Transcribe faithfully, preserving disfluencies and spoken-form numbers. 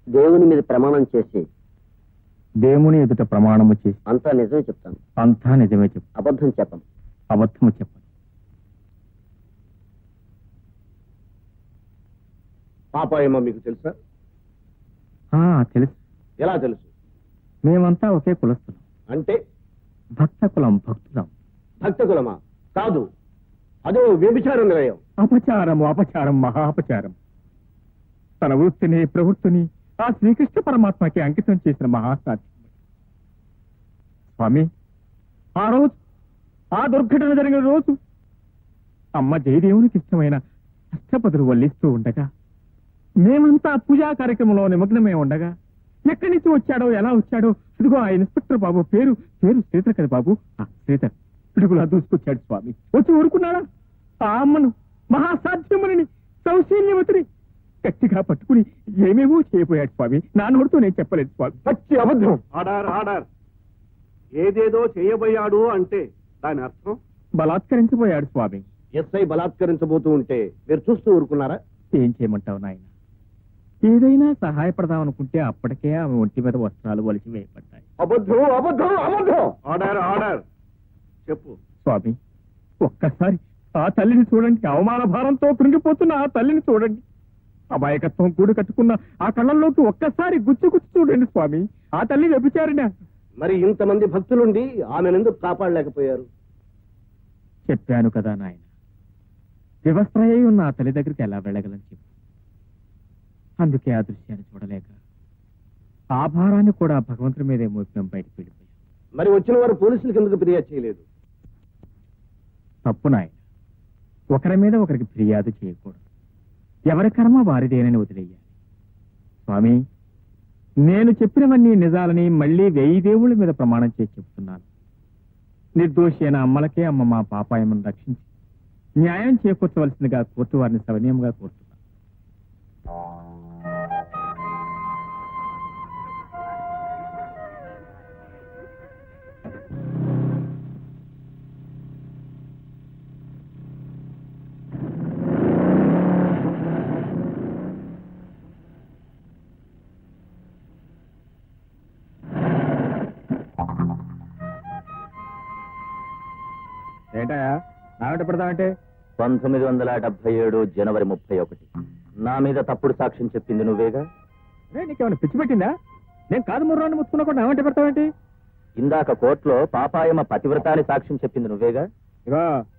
దేవుని మీద ప్రమాణం చేసి దేవుని ఎదుట ప్రమాణము చేసి అంతా నిజమే చెప్తాను. అంతా నిజమే చెప్పు. అబద్ధం చెప్పను. అబద్ధము చెప్పను. పాపాయమ్మ మీకు తెలుసా? తెలుసు. ఎలా తెలుసు? మేమంతా ఒకే కులస్తులం. అంటే భక్త కులం, భక్తులం. భక్త కులమా? కాదు, అదో వ్యభిచార నిలయం. అపచారము, అపచారం, మహా అపచారం. తన వృత్తిని, ప్రవృత్తిని ఆ శ్రీకృష్ణ పరమాత్మకి అంకితం చేసిన మహాసాధ్యం. స్వామి, ఆ రోజు, ఆ దుర్ఘటన జరిగిన రోజు అమ్మ జయదేవునికి ఇష్టమైన అష్టపదులు వల్లిస్తూ ఉండగా, మేమంతా పూజా కార్యక్రమంలో నిమగ్నమై ఉండగా, ఎక్కడి నుంచి వచ్చాడో, ఎలా వచ్చాడో, ఇదిగో ఆ ఇన్స్పెక్టర్ బాబు పేరు పేరు శ్రీధర్ కదా బాబు, శ్రీధర్ పిడుగులా దూసుకొచ్చాడు స్వామి. వచ్చి ఊరుకున్నాడా? ఆ అమ్మను, మహాసాధ్యముని, సౌశీల్యవతిని గట్టిగా పట్టుకుని ఏమేమో చేయబోయాడు స్వామి. నా నోటితో నేను చెప్పలేదు స్వామి. పచ్చి అబద్ధం. ఆడార్ ఆడార్ ఏదేదో చేయబోయాడు అంటే దాని అర్థం బలాత్కరించబోయాడు స్వామి. ఎస్ఐ బలాత్కరించబోతూ ఉంటే మీరు చూస్తూ ఊరుకున్నారా? ఏం చేయమంటావు నాయన? ఏదైనా సహాయపడదాం అనుకుంటే అప్పటికే ఆమె ఒంటి మీద వస్త్రాలు వలిసి వేయబడ్డాయి. అబద్ధం, అబద్ధం, అబద్ధం. ఆడార్ ఆడార్ చెప్పు స్వామి. ఒక్కసారి ఆ తల్లిని చూడండి. అవమాన భారంతో కృంగిపోతున్న ఆ తల్లిని చూడండి. అమాయకత్వం కూడి కట్టుకున్న ఆ కళ్ళల్లోకి ఒక్కసారి గుచ్చి గుచ్చి చూడండి స్వామి. ఆ తల్లి వ్యభిచారిన. మరి ఇంతమంది భక్తులుండి ఆమెనెందుకు కాపాడలేకపోయారు? చెప్పాను కదా నాయన, వివస్త్రయ్య ఉన్న ఆ తల్లి దగ్గరికి ఎలా వెళ్ళగలని చెప్పు. అందుకే ఆ దృశ్యాన్ని చూడలేక ఆ భారాన్ని కూడా భగవంతుడి మీదే మోపినం బయటకు వెళ్ళిపోయాం. మరి వచ్చిన వారు పోలీసులకు ఎందుకు ఫిర్యాదు చేయలేదు? తప్పు నాయన. ఒకరి మీద ఒకరికి ఫిర్యాదు చేయకూడదు. ఎవరి కర్మ వారిదేనని వదిలేయాలి. స్వామి, నేను చెప్పినవన్నీ నిజాలని మళ్లీ వెయ్యి దేవుళ్ళ మీద ప్రమాణం చేసి చెప్తున్నాను. నిర్దోషి అయిన అమ్మలకే అమ్మ మా పాపాయమను రక్షించి న్యాయం చేకూర్చవలసిందిగా కోర్టు వారిని సవినయంగా కోరుతున్నాను. ఏంటయా నాగట పెడతామంటే? పంతొమ్మిది వందల డెబ్బై ఏడు జనవరి ముప్పై ఒకటి నా మీద తప్పుడు సాక్ష్యం చెప్పింది నువ్వేగా? నీకేమైనా పిచ్చి పెట్టిందా? నేను కాదు ముర్రాన్ని ముచ్చుకున్నా కూడా నాగంటే పెడతావేంటి? ఇందాక కోర్టులో పాపాయమ్మ పతివ్రతాన్ని సాక్ష్యం చెప్పింది నువ్వేగా? ఇవా